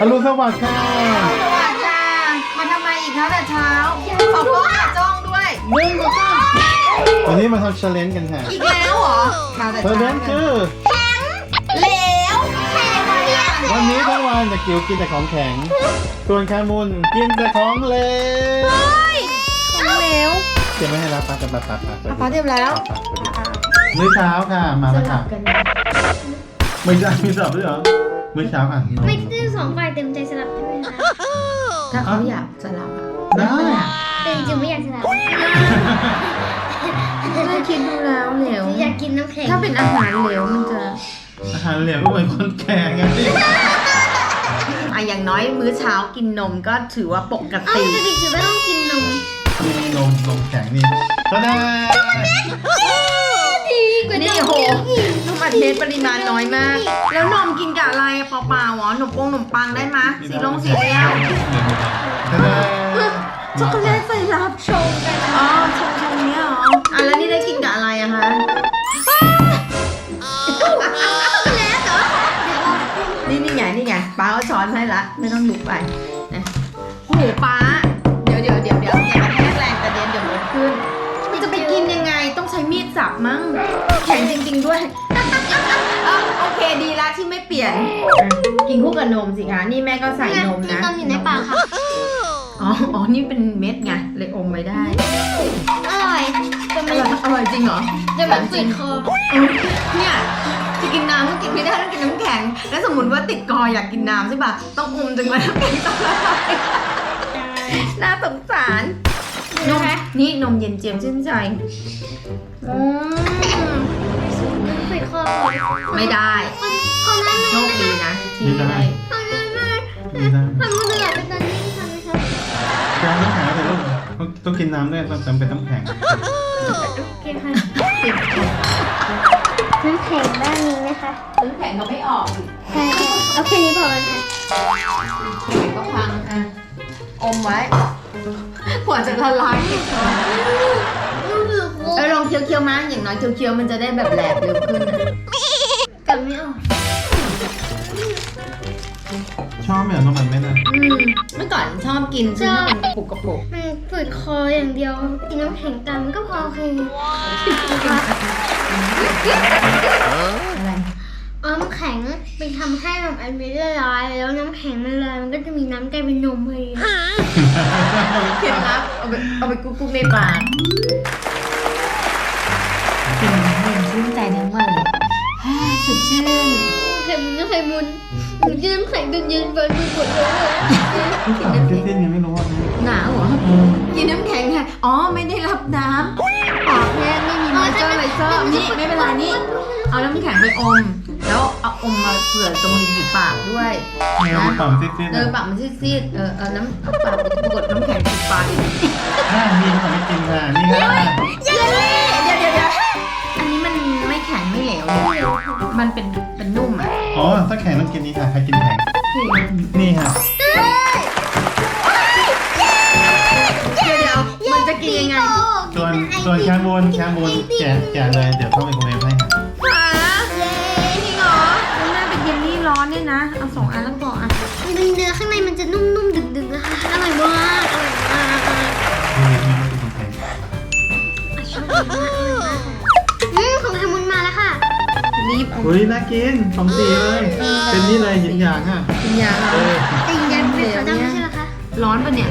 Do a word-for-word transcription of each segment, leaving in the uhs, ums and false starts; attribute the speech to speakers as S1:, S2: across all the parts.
S1: อรุณสวัสดิ์ค่ะ
S2: สวัสดีค่ะมาทำไมอีกคะแต่เช้าขอบคุณค่ะจ้องด้วยหนึ่งสองสาม
S1: วันนี้มาทำ challenge กันค่ะ
S2: อีกแล้วเหรอมาแต่เช้า
S1: challenge คือ
S2: เหลวแข็งเรียบ
S1: วันนี้ทั้งวันจะกิวกินแต่ของแข็ง ส่วนคามุนกินแต่ของเหลว
S2: ของเหลว
S1: เตรียมไว้ให้แล้วปะปะปะปะปะ
S2: ฟ้าเตรียมแล้ว
S1: มื้อเช้าค่ะ มาแล้วค่ะไม่ใช่ไม่สลับด้วยเหรอมื้อเช้าค่ะ
S3: ไม่ได้สองฝ่ายเต็มใจสลับใช่ไหมคะ
S2: ถ้าเขาอยากสลับอะ
S1: ได้
S3: แต่จริงๆไม่อยากสลับ
S2: ได้คิดดูแล้วเหลว
S3: อยากกินน้ำแข็ง
S2: ถ้าเป็นอาหารเหลวมันจะ
S1: อาหารเหลวก็เหมือนคนแก่ไงพี่
S2: อ่ะอย่างน้อยมื้อเช้ากินนมก็ถือว่าปก
S3: เอา
S2: ติ
S3: แต่เด็กๆไม่ต้องกินนม
S1: นี่นมนมแข็งนี่ตะแน่
S3: ดีกว่า
S2: นี่
S3: นม
S2: โหนมอัดเม็ดปริมาณน้อยมาก แล้วนมกินกับอะไรอะเปล่าๆหรอขนมปงขนมปังได้มะสีลงสีเรียว
S1: ตะแน่
S2: ช็อกโกแลตใส่รับ
S3: ชงกัน
S2: อ๋อชงชงเนี้ยเหรออ่ะแล้วนี่ได้กินกับอะไรอะคะ
S3: แล้วแต่ว่าเดี๋ยว
S2: นี่นี่ไงนี่ไงป้าเอาช้อนให้ละไม่ต้องลุกไปนะโอ้โหป้าเดี๋ยวเดี๋ยวเดี๋ยวเดี๋ยวอย่ากระแทกแรงกระเด็นเดี๋ยวมันขึ้นมันจะไปกินยังไงต้องใช้มีดสับมั้งแข็งจริง ๆด้วยเออโอเคดีละที่ไม่เปลี่ยนอ่ะกินคู่กับนมสิคะนี่แม่ก็ใส่นม
S3: กิน
S2: นะ
S3: นมอยู่ในปากค่ะ
S2: อ๋ออ๋อนี่เป็นเม็ดไงเลยอมไว้ได้
S3: อร่อยแต่
S2: อ
S3: มัน
S2: ร่อยอร่อยจริงเหรอ
S3: แต่มันฝืดคอ
S2: เออเนี่ยจะกินน้ำก็กินไม่ได้ต้องกินน้ำแข็ง แล้วสมมติว่าติดคออยากกินน้ำใช่ป่ะต้องอมจนกว่าน้ำแข็งจะละลายน่าสงสารนมนี่นมเย็นเจียมชื่นใจอืม
S3: มันฝืดคอ
S2: ไม่ได้
S3: คอมัน
S2: โชคดีนะที่ไม่ได้
S3: คอมันมาก
S1: ไม่ได้
S3: ทำมันจะไหลไปตอนนี้ทำไหมคะ
S1: การน้ำแข็งแต่ลูกต้องต้องกินน้ำด้วยต้องจำเป็นน้ำแข็ง
S3: โอเคค่ะน้ำแข็งบ้านนี้นะคะ
S2: น้ำแข็งก็ไม่ออกอีก
S3: ใช่ค่ะเอาแค่นี้พอกันค่ะ
S2: แข็งก็พังอ่ะอมไว้กว่าจะละลายติดคอ
S3: มันฝืดคอ
S2: เออลองเคี้ยวๆมาอย่างน้อยเคี้ยวๆมันจะได้แบบแหลกเร็วขึ้นนะ
S3: กัดไม่ออก
S1: ชอบไหมเหรอน้ำมันไม่นะ
S2: อืมเมื่อก่อนชอบกินซึ่งมันเป็นกระปุกกระปุก
S3: มันฝืดคออย่างเดียวกินน้ำแข็งตามมันก็พอโอเค
S2: อะไร
S3: เอาน้ำแข็งไปทำให้แบบอันนี้ละลายแล้วน้ำแข็งมันละลายมันก็จะมีน้ำกลายเป็นนมพอดี
S2: เคล็ดลับเอาไปเอาไปกุ๊กๆในปากกินน้ำแข็งชื่นใจทั้งวันเลยฮ่าสดชื่น
S3: ไข่มุนก็ไข่มุนหนูกินน้ำแข็งจนเย็นไปหมดเลย
S1: กินน้ำแข็งยังไม่รู้ว่า
S2: หนาวเหรอกินน้ำแข็งค่ะอ๋อไม่ได้รับน้ำปากแห้งไม่มีมอยเจอร์ไรเซอร์นี่ไม่เป็นไรนี่เอาน้ำแข็งไปอม แล้วเอาอมมาเผื่อตรงริมฝีปากด้วย
S1: เนื้อมันต่ำซิด
S2: เออปากมันซีดๆเออเอาน้ำเอาปากไปกดน้ำแข็งติดปากอีก
S1: ๆอ่านี่เขาไม่กินค่ะ นี่ค่ะ
S2: เย้เดี๋ยวเดี๋ยวเดี๋ยวอันนี้มันไม่แข็งไม่เหลวเลยมันเป็นเป็นนุ่มอ่ะ
S1: อ๋อ ถ้าแข็งต้องกินนี่ค่ะ ใครกินแข็ง นี่ค่ะ
S2: เดี๋ยวเดี๋ยวมันจะกินยังไง
S1: ส่วนส่วนแคมบูนแคมบูนแกะแกะเลย เดี๋ยวเข้าไปโครเวฟให้ค่ะ
S2: หาจริงเหรอมันน่าเป็นเยลลี่ร้อนเนี่ยนะ เอาสองอันแล้วพออ่ะ
S3: มันเนื้อข้างในมันจะนุ่มๆดึกๆนะคะอร่อยมากอร่อยมาก
S1: นี่นี่ไม่กินแข็ง
S3: ชอบมากอร่อยมากอืมของไข่มุนมาแล้วค่ะ
S2: รีบเอา
S1: เฮ้ย น่ากินสองสีเลย เป็นนี่เลยหยินหยางค่ะ
S2: กินยา
S1: เอ
S2: เรา
S1: อ
S3: แต่ยังเป็นขาวดำไม่ใช่เหรอคะ
S2: ร้อนปะเนี่ย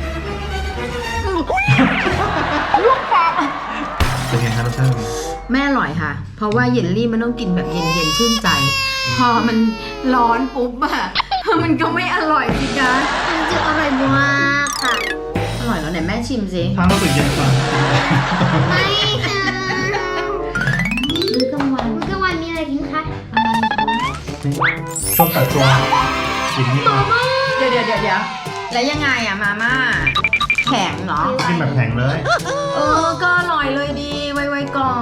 S1: เป็นไงครับรสชาติเป็นไง
S2: แม่อร่อยค่ะ เพราะว่าเยลลี่มันต้องกินแบบเย็นๆชื่นใจ พอมันร้อนปุ๊บอะมันก็ไม่อร่อยสิคะ
S3: มันจะอร่อยมากค่ะ
S2: อร่อยแล้วไหนแม่ชิมสิ
S1: ทานรู้สึกเย็นกว่า
S3: ไม่ค่ะ
S2: มื้อกลางวัน
S3: มื้อกลางวันมีอะไรกินคะ
S1: ต้มตัดตัวกินนี่ค่ะ
S2: เดี๋ยวเดี๋ยวเดี๋ยวเดี๋ยวแล้วยังไงอะมาม่าแข็งเหรอ
S1: กินแบบแข็งเลย
S2: เออ ก็อร่อยเลยดี ไวๆกรอบ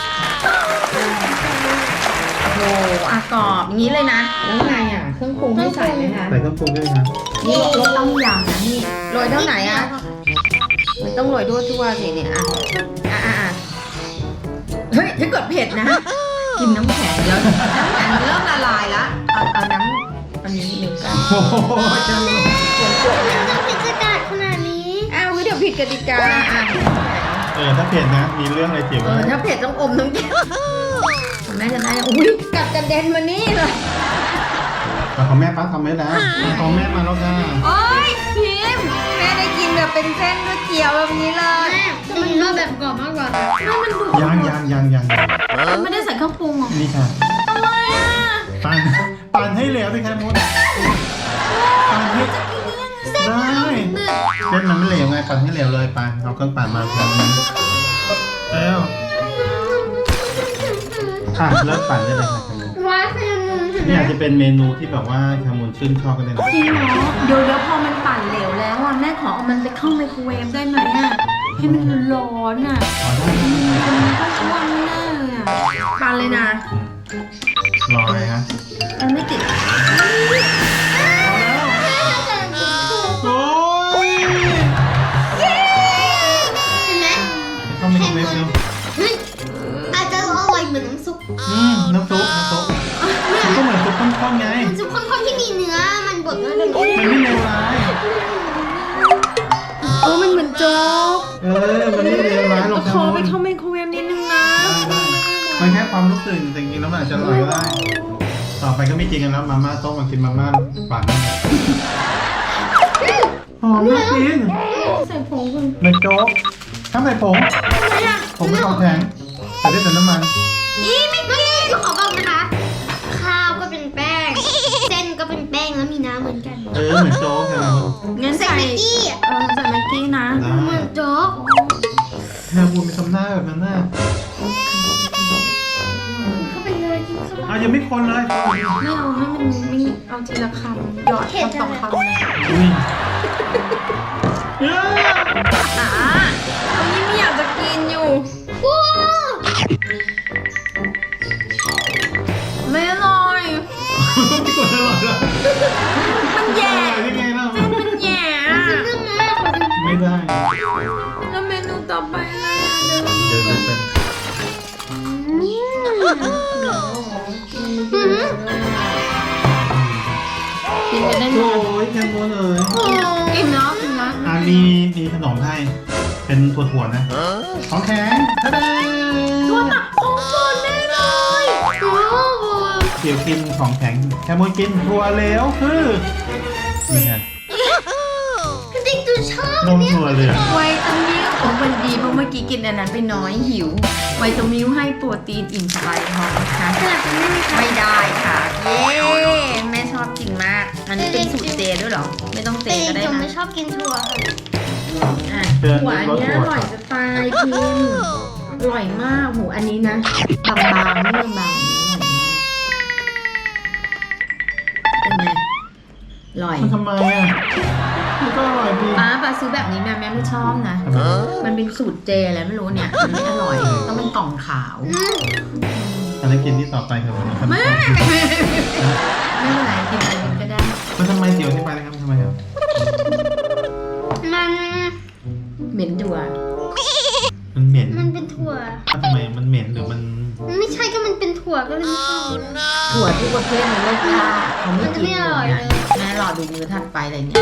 S2: โอ้โหอ่ะกรอบอย่างนี้เลยนะ แล้วไงอ่ะ เครื่องปรุงให้ใส่ไหมคะ
S1: ใส่เครื่องปรุงด้วยค่ะ
S2: นี่รสต้มยำนะนี่ โรยเท่าไหนอ่ะ มันต้องโรยด้วยทั่วสิเนี่ย อ่ะ อ่ะอ่ะอ่ะเฮ้ย ถ้าเกิดเผ็ดนะ กินน้ำแข็งแล้วน้ำแข็งเริ่มละลายแล้ว เอาเอาน้ำเอาอันนี้หนึ่งเก้า
S1: โอ้โหแคมูน
S2: ส่วนกดนะ
S3: ต้องพิจารณาขนาดนี้
S2: อ้าวเดี๋ยวผิดกติกาอ่ะ
S1: เออถ้าเผ็ดนะมีเรื่องอะไรเถียง
S2: เอ
S1: กัน
S2: อถ้าเผ็ดต้องอมทั้งแก้วแม่จะได้อุ้ยกัดกระเด็นมานี่เลย
S1: แต่ของแม่ป้าทำไว้แล้วของแม่มาแล้วค่ะ
S2: โอ๊ยพิมพ์แม่ได้กินแบบเป็นเส้นก๋วยเตี๋ยวแบบนี้เลย
S3: แม่จะมีรสแบบกรอบมากกว่าค่ะ
S2: แม่มันดู
S1: ยังยังยังยัง
S2: มันไม่ได้ใส่เครื่องปรุงหรอ
S1: นี่ค่ะ
S2: อะไรอ่ะ
S1: ปั่นปั่นให้เหลวสิแคมูนปั่นให้ได้เส้นมันไม่เหลวไงปั่นให้เหลวเลยปั่นเอาเครื่องปั่นมาแล้วแล้วอ่ะเริ่มปั่นได้เลยค่ะแคมูน
S3: ว้าแซลมอนใช่ไหม
S1: นี่อาจจะเป็นเมนูที่แบบว่าแคมูนชื่นชอบกันเลยนะ
S2: จริงเหรอเดี๋ยวเดี๋ยวพอมันปั่นเหลวแล้วอ่ะแม่ขอเอามันไปเข้าไมโครเวฟได้ไหมอ่ะให้มันร้อนอ่ะ
S1: อ๋อได้ได้
S2: มันก็อ้วนแน่เลยอ่ะปั่นเลยนะ
S1: รอเลยฮะ
S2: มันไม่ติด
S1: โอ้ย
S3: เห็นไหม
S1: เข้าไมโครเวฟเร็ว
S3: เฮ้ยอาจจะอร่อยเหมือนน้ำซุป
S1: อืมน้ำซุปน้ำซุปมันก็เหมือนซุปข้นๆไง
S3: น้ำซุปข้นๆที่มีเนื้อมันบดด้วยกัน
S1: มันไม่เลวร้าย
S2: เออมันเหมือนโจ๊ก
S1: เออ มันไม่เลวร้ายหรอก
S2: ขอไปเข้าไมโครเวฟนิดนึงนะ
S1: ได้มันแค่ความรู้สึกแต่จริงๆแล้วมันอาจจะอร่อยก็ได้ ต่อไปก็ไม่จริงกันแล้วมาม่าต้มมากินมาม่าปั่นหอมน่ากิน
S2: ใส่ผงก่อน
S1: เป็นโจ๊กถ้าใส่ผงผงไม่ต้องแข็งแต่ได้แต่น้ำมัน
S3: อีไม่ไม่หนูขอบอกนะคะ ข้าวก็เป็นแป้ง เส้นก็เป็นแป้งแล้วมีน้ำเหมือนกัน
S1: เออเหมือนโจ๊กแค่นั้น
S2: งั้น
S3: ใส่
S2: ใส่
S3: แม็กกี้อ่ะ
S2: เออใส่แม็กกี้นะ
S1: ได้
S3: เหมือนโจ๊ก
S1: แค่พูดไม่ทำหน้าแบบนั้นน่ะ
S3: เข้าไปเลยกินเข้าไป
S1: อ่ะยังไม่คนเลย
S2: ไม่เอาให้มันไม่เอาทีละคำหยอดคำสองคำเลย
S1: อุ้ยเย้
S2: อ่าเอานี่ไม่อยากจะกินอยู่
S3: ว้าว
S2: ไม่อร่อย
S1: พี่กดอร่อยแล้ว
S2: มันแย่
S1: อร่อยได้ไงเล่า
S2: มันแย่อะ
S3: เรื่องมากขอดู
S1: ไม่ได้
S2: แล้วเมนูต่อไปอะไรอ่ะเดี๋ยว
S1: เดี๋ยวจะเป็น
S2: กินไปได้ไหม
S1: โอ้ยแคมูนเอ๋ย
S2: กินเนาะกินเนาะ
S1: อ่ามีมีขนมให้เป็นถั่วๆนะของแข็งทะเด
S2: ตัวหนักของโปรดแน่เลย
S3: ว้าว
S1: เดี๋ยวกินของแข็งแคมูนกินถั่วเหลวคือนี่ไง
S3: จริงๆจูชอบ
S1: นมถั่วเหลือง
S2: ไวตามิลโอ้มันดีเพราะเมื่อกี้กินอันนั้นไปน้อยหิว ไวตามิลให้โปรตีนอิ่มสบายท้องนะคะ
S3: สลับกันได้ไหมคะ
S2: ไม่ได้ค่ะ เย้แม่ชอบกินมาก อันนี้เป็นสูตรเจด้วยเหรอ ไม่ต้องเจ
S3: แต่
S2: ก็ได้
S3: จง
S2: นะ
S3: ไม่ชอบกินถั่วค่ะ
S2: อ่ะหัวอันเนี้ยอร่อยจะตายพิมพ์อร่อยมากหูอันนี้นะบางๆไม่บางๆอันนี้อร่อยมากเป็นไงอร่อย
S1: มันทำไมอ่ะมันก็อร่อยดี
S2: ป้าป้าซื้อแบบนี้แม่แม่ไม่ชอบนะ มันเป็นสูตรเจอะไรไม่รู้เนี่ย มันไม่อร่อย ต้องเป็นกล่องขาว
S1: อันนี้กินที่ต่อไปครับ
S2: ไม่ ไม่เป็นไรกินอะไรก็ได้
S1: มันทำไมเดี๋ยวที่ไปนะครับทำไมครับ
S3: มัน
S2: เหม็นดัว
S1: มันเหม็น
S3: มันเป็นถั่ว
S1: ทำไมมันเหม็นหรือมัน
S3: มันไม่ใช่ก็มันเป็นถั่วก็เลยไม่ชอบ
S2: ถั่วทุกประเภทในโลกย่าเขาไม่
S3: มันจะ
S2: กิน
S3: ไม่อร่อย
S2: นะ
S3: เลย
S2: แม่รอดูมือถัดไปอะไรเนี่ย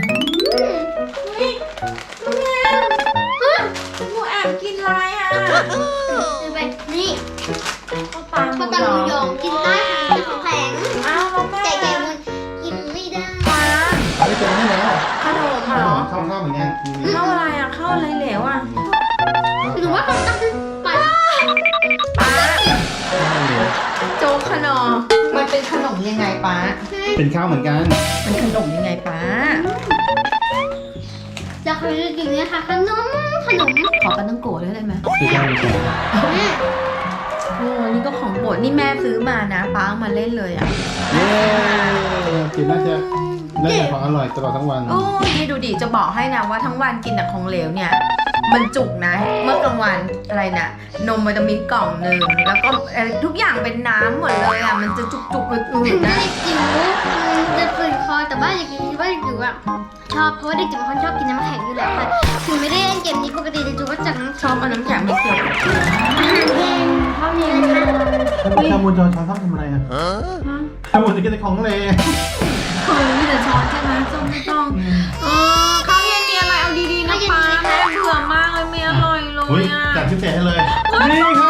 S2: หมูแอบกินอะไรอ่ะ
S3: ดูไปนี่
S2: ข้าวปลาห
S3: ป
S2: มู
S3: ลาตา
S2: ย
S3: หมู
S2: อง
S3: ยองกินได้ค่ะเป็นของแข็ง
S2: อ้าวแล้วแม่
S3: แต่แกมันกินไม่ได้
S2: ปลา
S1: ไม่เจอให้แล้ว
S2: ขนมเหรอ
S1: ข้าวข้าวเหมือนกัน
S2: ข้าวอะไรอ่ะข้าวอะไรเหลวอ่ะ
S3: หรือว่าเขาตั้งปลา
S2: ปลาโจ๊กขนมมันเป็นขนมยังไงป้า
S1: เป็นข้าวเหมือนกัน
S2: มันขนมยังไงป้า
S3: แล้วเขาจะกินเนี่ยค่ะขนมขนม
S2: ขอปลาต้องโกะด้วยได้ไหม
S1: คือข้าวเหมือนกัน
S3: แม่
S2: โอ้นี่ก็ของโปรดนี่แม่ซื้อมานะป้าเอามาเล่นเลยอ่ะ
S1: เย้กินน่าจะน่าจะของอร่อยตลอดทั้งวัน
S2: โอ้ยนี่ดูดิจะบอกให้นะว่าทั้งวันกินแต่ของเหลวเนี่ย มันจุกนะ เมื่อกลางวันอะไรนะนมวิตามินกล่องหนึ่งแล้วก็เอ่อทุกอย่างเป็นน้ำหมดเลยอ่ะมันจะจุกจุกๆอืด
S3: ถึง
S2: ๆ
S3: แม่
S2: นะ
S3: เด็กจิ๋วมันจะฝืนคอแต่ว่าอย่างนี้ว่าเด็กจิ๋วอะชอบเพราะว่าเด็กจิ๋วเป็นคนชอบกินน้ำแข็งอยู่แล้วค่ะถึงไม่ได้เล่นเกมนี้ปกติเด็กจิ๋วก็จัดน้ำ
S2: ชอบเอาน้ำแข็งมาเคี่ยว
S3: อาหารเย็นเท่านี้นะคะ
S1: ข้าวมูลจอช้อนชอบทำอะไรอ่ะข้าวมูลจะกินแต่ของเลย
S2: เคยมีแต่ช้อนใช่ไหมส้มไม่ต้องเออข้าวเย็นมีอะไรเอาดีๆนะป้าแม่เบื่อมากเลยไม่อร่อยเล
S1: อุ้ย
S2: ยอ่ะ
S1: จัดพิเศษให้เลย นี่ครับ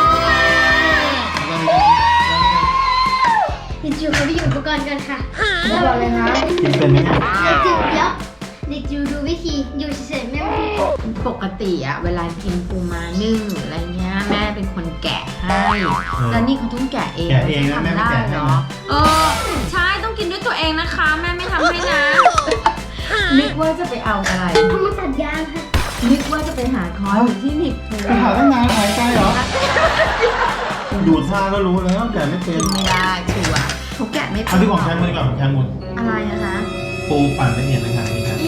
S3: เด็กจิ๋วเขาไปอยู่อุปกรณ์กันค่ะ
S2: ไม่บอกเลยนะ
S1: กินเป็นไหมเนี่ย
S3: เด็กจิ๋วเดี๋ยวเด็กจิ๋วดูวิธีอยู่เฉยๆแม่ไม่พูด
S2: ปกติอะเวลากินปูม้านึ่งหรืออะไรเงี้ยแม่เป็นคนแกะให้แล้วนี่เขาต้องแกะเอง
S1: แกะเองนะแม่ไม่แกะให้
S2: เหรอ
S1: นะ
S2: เออใช่ต้องกินด้วยตัวเองนะคะ แม่ไม่ทำให้นะนึกว่าจะไปเอาอะไร
S3: เขามาตัดยางค่ะ
S2: นึกว่าจะไปหาคอยอยู่ที่หนิบปู
S1: ไปหาตั้งนานหายใจเหรอ ดูท่าก็รู้แล้วแต่ไม่เป็น
S2: กินไม่ได้ชัวร์เขาแกะไม่เป็
S1: เอา
S2: น
S1: ที่ของแคมมือก่อนแคมมุน
S2: อะไรนะคะ
S1: ปูปั่นละเอียดนะครับนี่ครับ
S2: อี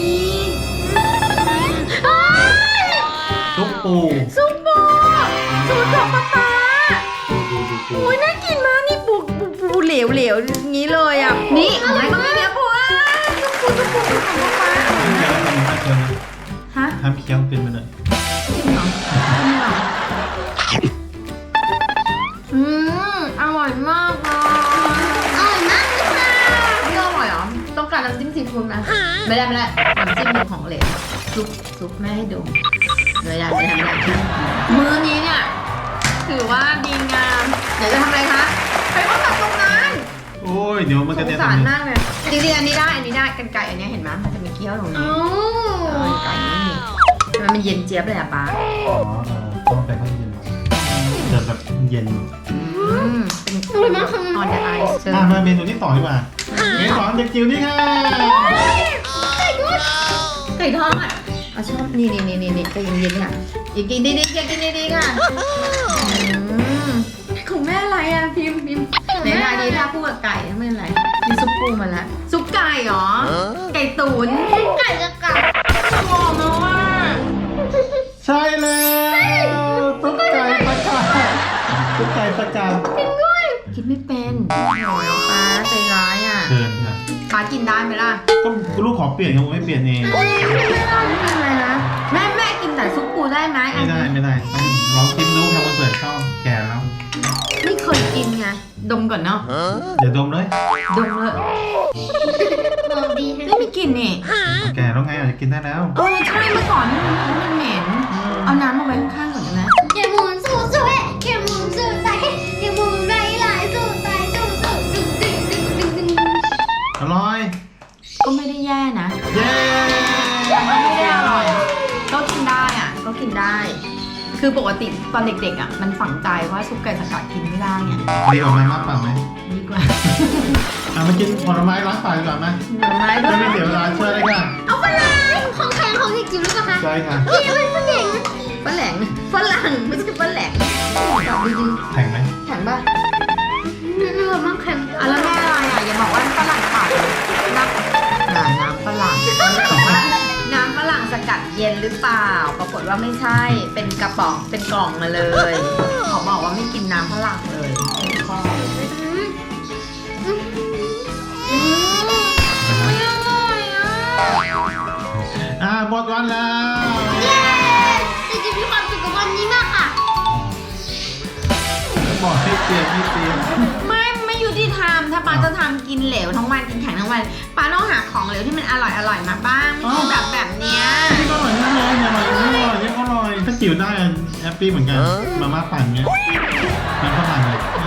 S1: ซุปปู
S2: ซุปปูสูตรของป๊าป๊า
S1: ดูดูดูปู
S2: โอ้ยน่ากินมากนี่ปูปูปูเหลวเหลวๆอย่างนี้เลยอ่ะนี่ของแม่ก็มีเนื้อปูอ่ะซุปปูซุปปูของป๊าป๊า
S1: แกแล้วทำท่าเคี้ยวนะ
S2: ฮะ
S1: ทำเคี้ยวเป็นไปเลย
S2: จริงเหรอจริงเหรออืมอร่อยมากเลย
S3: อร่อยมากเลยค่ะ
S2: ไม่อร่อยเหรอต้องการน้ำจิ้มซีฟู้ดไหมไม่ได้ไม่ได้น้ำจิ้มเป็นของเหลวซุปซุปแม่ให้ดูไม่ได้ไม่ได้ไม่ได้มื้อนี้เนี่ยถือว่าดีงามเดี๋ยวจะทำอะไรคะไปว่าตัดตรงนั้น
S1: โอ้ยเดี๋ยวมัน
S2: ส
S1: กระ
S2: ง
S1: เด็น
S2: สาร
S1: ตรงนี้
S2: มากเลยจริงๆอันนี้ได้อันนี้ได้กันไก่อันเนี้ยเห็นไหมมันจะมีเกี้ยวตรงนี้
S3: โอ้
S2: เออไก่ไม่มีทำไมมันเย็นเจี๊ยบเลยอะป้า
S1: อ๋อเออต้องไปข้างเย็นเดี๋ยวแบบเย็น
S2: อืมเป็น
S3: อร่อยมากค่ะ
S2: ออนเดอะไอซ์
S1: อ่ะมาเมนูที่สองดีกว่าเมนูสองเด็กจิ๋วนี่ค่ะ
S2: ไก่ทอดเอาชอบนี่นี่นี่นี่นี่ใจเย็นๆค่ะอย่ากินดีๆอย่ากินดีๆค่ะอืมของแม่อะไรอะพิมพ์พิมพ์ไหนๆดีถ้าพูดกับไก่ไม่เป็นไรมีซุปปูมาแล้วซุปไก่เหรอไก่ตุ๋น
S3: ไก่จะกัด
S2: หอมมากว่า
S1: ใช่แล้วตุ๊กไก่ประกาศตุ๊กไก่ประกาศ
S2: คิดไม่เป็นโอ้ยป้าใจร้ายอ่ะ
S1: เชิญค่ะ
S2: ป้ากินได้ไหมล่ะ
S1: ก็ลูกขอเปลี่ยนครับผมไม่เปลี่ยนเอง
S2: ไม่ได้ไม่เป็นไรนะแม่แม่กินแต่ซุปปูได้ไหม
S1: ไม่ได้ไม่ได้ต้องลองชิมดูครับวันเกิดชอบแก่แล้ว
S2: ไม่เคยกินไงดมก่อนเนาะ
S1: เดี๋ยวดมเลย
S2: ดมเลย
S3: หอมดี
S2: ไม่
S3: ค่ะ
S2: มีกลิ่นนี่
S1: แก่แล้วไงอาจจะกินได้แล้ว
S2: เออใช่เมื่อก่อนนี่มันมันเหม็นเอาน้ำมาไว้ข้างๆก่อนได้ไหม
S3: เขียวหมุนสู้สู้เอ๊ะเขียวหมุนสู้ตายเขียวหมุนไรหลายสู้ตายสู้สู้ดึงดึงดึงดึงดึง
S1: อร่อย
S2: ก็ไม่ได้แย่นะ
S1: เย้
S2: แต่มันไม่ได้อร่อยก็กินได้อ่ะก็กินได้ คือปกติตอนเด็กๆอ่ะมันฝังใจว่าซุปไก่สกัดกินไม่ได้ไง
S1: ดีกว่าไหมมากกว่าไหม
S2: ดีกว่า
S1: อ่ะมากินผลไม้ล้างปากดีกว่าไหม
S2: หน่อไม้ด้ว
S1: จะ
S2: ย
S1: ไม่เสียเวลาเชื่อเลยค่ะ
S3: เอาไปเลยของแข็งของเด็กจิ๋วหรือเปล่าคะ
S1: ใช่ค่ะ
S3: นี่เป็นผู้หญิง
S2: ฝรั่งฝรั่งไม่ใช่ฝรั่งตอบดี
S1: แข็งไหม
S2: ๆแข็งป่ะ
S3: เนื้อมันแข็ง
S2: อ่ะแล้วแม่อะไรอ่ะอย่าบอกว่าฝรั่งเปล่าน้ำน้ำน้ำฝรั่งบอกว่าน้ำฝรั่งสกัดเย็นหรือเปล่า ปรากฏว่าไม่ใช่เป็นกระป๋องเป็นกล่องมาเลยเขาบอกว่าไม่กินน้ำฝรั่งเลยข้อ
S3: อืมอืม
S2: ไม่อร่อยอ่ะ
S1: อ่าหมดวันแล้ว
S3: เย้เด็กจิ๋วมีความสุขกับวันนี้มากค่ะ
S1: บอกให้เปลี่ยนให้เปลี่ยน
S2: ไม่ไม่ยุติธรรมถ้าป้าจะทำกินเหลวทั้งวันกินแข็งทั้งวันป้าต้องหาของเหลวที่มันอร่อยอร่อยมาบ้างไม่ใช่แบบแบบเนี้ย
S1: นี่ก็อร่อยนะเลยเนี่ยอร่อยนี่อร่อยนี่ก็อร่อยถ้าจิ๋วได้แฮปปี้เหมือนกันมาม่าปั่นเงี้ยมันก็มันเลย